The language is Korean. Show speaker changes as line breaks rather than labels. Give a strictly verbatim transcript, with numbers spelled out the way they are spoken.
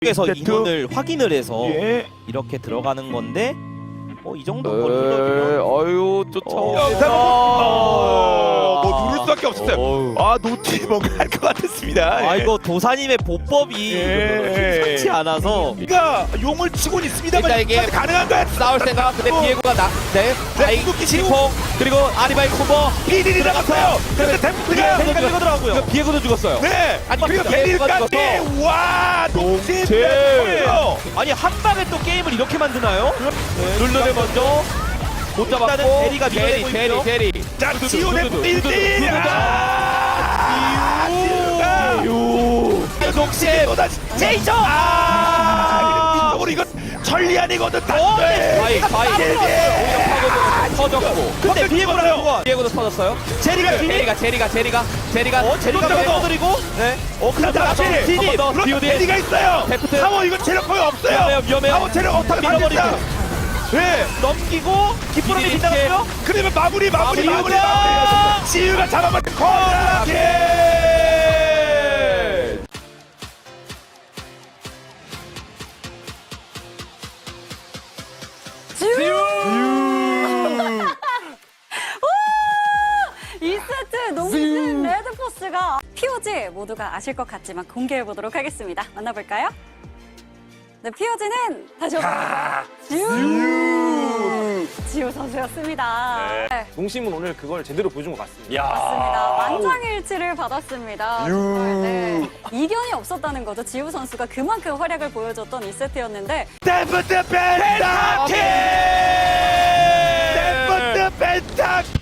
그래서
세트.
인원을 확인을 해서
예.
이렇게 들어가는 건데 어, 이 정도
에,
걸리면
어유
어,
쫓아오네.
어, 뭐 누를 수밖에 없었어요.
어우.
아 노티 뭔가 할 것 같았습니다.
아
예.
이거 도사님의 보법이
예.
좋지 않아서
그러니까 용을 치고는 있습니다만
일단 이게
가능한가요?
싸울 생각. 근데
어.
비에고가 나. 네.
네, 궁극기 지우
콩 그리고 아리바이 콤보.
비딜이 나갔어요. 근데 데프트가
생각 들어가고요.
이거 비에고도 죽었어요.
네.
아니,
그리고
비에고가
비딜까지
죽었어.
와 노티
노티.
요
아니 한 방에 또 게임을 이렇게 만드나요? 네, 룰러를 먼저
못
일단은
잡았고.
대리가 밀어내고
대리
있죠.
대리 대리.
자 지우 데프트 일 대 일.
유.
동시 또다시 제이죠. 아 이쪽으로 이건 천리안이거든.
바이 바이.
예.
터졌고.
근데 비에고랑 누가
비에고도 터졌어요.
제리가 비니
제리가 제리가 제리가 제리가.
어 제리가
또
빼어드리고 네. 어
자, 자,
그다음
제리.
비니
더.
그렇죠.
비오디.
대리가 있어요.
데프트.
타워 이거 체력 거의 없어요.
위험해요, 위험해요.
타워 체력 없다
밀어버리고.
밀어버리고. 네.
넘기고 기쁘름이
비니
빗나갔고요.
그러면 마무리 마무리 마무리
마무리.
마무리. 지유가 잡아버린 코너킥.
이 세트 농심 레드포스가 피오지 모두가 아실 것 같지만 공개해 보도록 하겠습니다. 만나볼까요? 네, 피오지는 다시 한번 지우 지우 선수였습니다. 네.
농심은 오늘 그걸 제대로 보여준 것 같습니다.
맞습니다. 만장일치를 받았습니다. 정말, 네. 이견이 없었다는 거죠. 지우 선수가 그만큼 활약을 보여줬던 이 세트였는데
데프트 펜타킬. 데프트 펜타킬.